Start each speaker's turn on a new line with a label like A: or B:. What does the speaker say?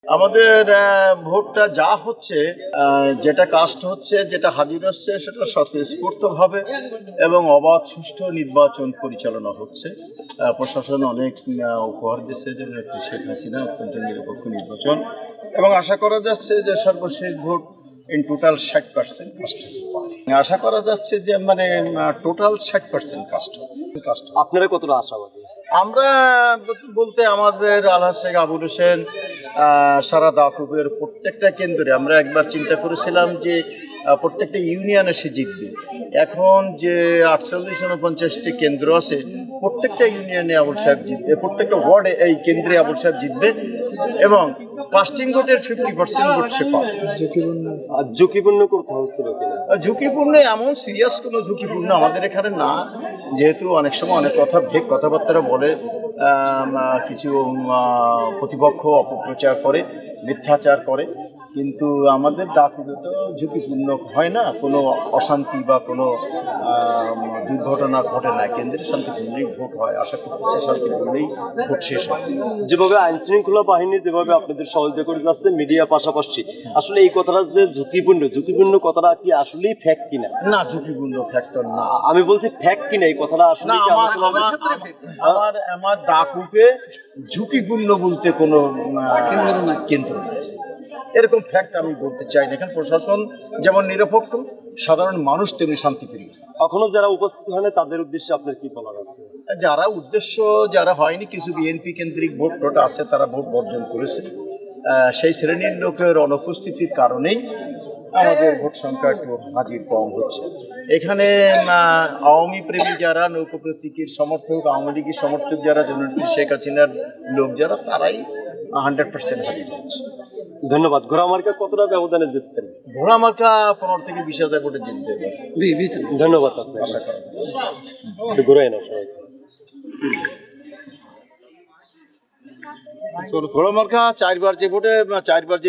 A: আমাদের ভোটটা যা হচ্ছে, যেটা কাস্ট হচ্ছে, যেটা হাজির হচ্ছে, সেটা স্বতঃস্ফূর্তভাবে এবং অবাধ সুষ্ঠু নির্বাচন পরিচালনা হচ্ছে। প্রশাসন অনেক উপহার দিচ্ছে যে নেত্রী শেখ হাসিনা অত্যন্ত নিরপেক্ষ নির্বাচন, এবং আশা করা যাচ্ছে যে সর্বশেষ ভোট ইন টোটাল 60% কাস্ট। আশা করা যাচ্ছে যে মানে টোটাল 60% কাস্ট।
B: আপনারা কতটা আশাবাদী?
A: আমরা বলতে আমাদের আলহাজ শেখ আবুল হোসেন সারা দাকুবের প্রত্যেকটা কেন্দ্রে আমরা একবার চিন্তা করেছিলাম যে প্রত্যেকটা ইউনিয়নে সে জিতবে। এখন যে 48-49টি কেন্দ্র আছে, প্রত্যেকটা ইউনিয়নে আবুল সাহেব জিতবে, প্রত্যেকটা ওয়ার্ডে এই কেন্দ্রে আবুল সাহেব জিতবে, এবং কাস্টিং ভোটের 50% ভোট সে পাবে।
B: ঝুঁকিপূর্ণ করতে হচ্ছিল কিনা?
A: ঝুঁকিপূর্ণ এমন সিরিয়াস কোনো ঝুঁকিপূর্ণ আমাদের এখানে না, যেহেতু অনেক সময় অনেক কথাবার্তা বলে, কিছু প্রতিপক্ষ অপপ্রচার করে, মিথ্যাচার করে, কিন্তু আমাদের দাকুবে তো ঝুঁকিপূর্ণ হয় না, কোনো অশান্তি বা কোনো দুর্ঘটনা ঘটে না। কেন্দ্রে শান্তিপূর্ণই ভোট হয়, আশা করতেছি শান্তিপূর্ণই ভোট শেষ হয়।
B: যেভাবে আইন শৃঙ্খলা বাহিনী যেভাবে আপনাদের সহযোগিতা করে যাচ্ছে, মিডিয়া পাশাপাশি, আসলে এই কথাটা যে ঝুঁকিপূর্ণ কথাটা কি আসলেই ফ্যাক্ট কিনা?
A: না, ঝুঁকিপূর্ণ ফ্যাক্টর না।
B: আমি বলছি ফ্যাক্ট কিনা, এই কথাটা আসলে কি
A: আমার দাকুপে ঝুঁকিপূর্ণ বলতে কোনো কেন্দ্র নেই, এরকম ফ্যাক্ট আমি বলতে চাই না। এখানে প্রশাসন যেমন নিরপেক্ষ, সাধারণ মানুষ তেমনি শান্তিপ্রিয়।
B: এখনো যারা উপস্থিত হয় না তাদের উদ্দেশ্যে আপনার কি বলার আছে?
A: যারা হয়নি, কিছু বিএনপি কেন্দ্রিক ভোট আছে, তারা ভোট বর্জন করেছে। সেই শ্রেণীর লোকের অনুপস্থিতির কারণেই আমাদের ভোট সংখ্যা একটু হাজির কম হচ্ছে। এখানে আওয়ামী প্রেমী যারা, নৌকা প্রতীকের সমর্থক, আওয়ামী লীগের সমর্থক যারা, জননেত্রী শেখ হাসিনার লোক যারা, তারাই 100% হাজির হচ্ছে।
B: ধন্যবাদ। ঘোড়া মার্কা কতটা ব্যবধানে জিততেন?
A: ঘোড়া মার্কা 15-20 হাজার ভোটে জিতবে।
B: ধন্যবাদ। আপনার
A: আশা করা
B: ঘুরাই না সবাই।
A: ঘোড়া মার্কা 4বার যে